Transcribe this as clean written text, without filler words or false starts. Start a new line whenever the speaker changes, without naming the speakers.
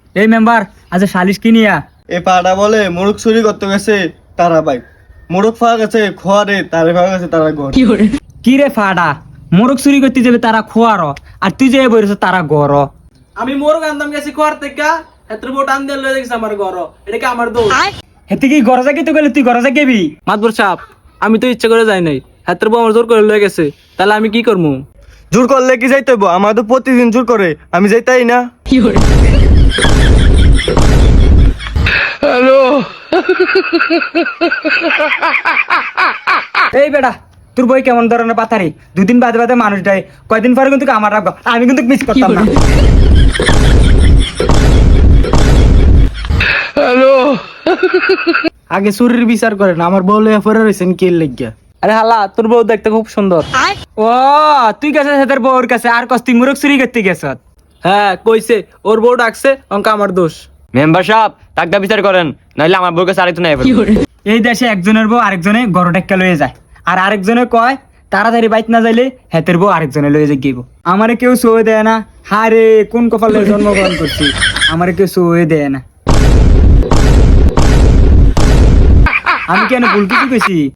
এই মেম্বার আজ সালিশ কি নিয়া
এ পাড়া বলে মোরগ চুরি করতে গেছে তারা বাইক, মোরগ পাওয়া গেছে খোয়ারে, তারে পাওয়া গেছে তারা ঘর।
কি রে ফাডা, মোরগ চুরি করতে যাবে তারা খোয়ার, আর তুই যে বলেছ তারা গর।
আমি মোরগ আনতাম গেছি খোয়ার থেকে, এত বড় টান দিয়ে লয়ে গেছে আমার ঘর, এটা কি আমার দোষ?
হেতে কি ঘরে যাকে তো গেলে তুই ঘরে যা গেবি?
মাতবর সাহেব, আমি তো ইচ্ছা করে যাই নাই, হাতের বউ আমার জোর করে লয়ে গেছে, তাহলে আমি কি করবো?
জোর করলে কি যাইতে হইব? আমার তো প্রতিদিন জোর করে, আমি যাইতাই না।
এই বেটা, তোর বই কেমন ধরনের পাথারি? দুদিন বাদে বাদে মানুষ দেয়, কয়দিন পরে কিন্তু আমার রাখবো, আমি কিন্তু মিস করতাম না।
আগে চুরির বিচার করেন, আমার বউ লইয়া পরে রয়েছেন কি লাগিয়া? আরে হালা, তোর বউ দেখতে খুব সুন্দর।
ও তুই গেছিস তোর বউর কাছে, আর কস্তি মুরগ চুরি করতে গেছ?
হ্যাঁ কইছে, ওর বউ ডাকছে, অঙ্ক আমার দোষ।
মেম্বার সাহেব টাকা বিচার করেন, নাইলে আমার বউর কাছে আরেকটু নাই।
এই দেশে একজনের বউ আরেকজনে গরু টেক্কা লয়ে যায়, আর আরেকজনে কয় তাড়াতাড়ি বাইক না যাইলে হেতের বউ আরেকজনে লয়ে যাই গিব। আমারে কেউ সয়ে দেয় না, হারে কোন কপালে জন্মগ্রহণ করছি, আমারে কেউ সয়ে দেয় না। আমি কেন ভুল কিছু কইছি?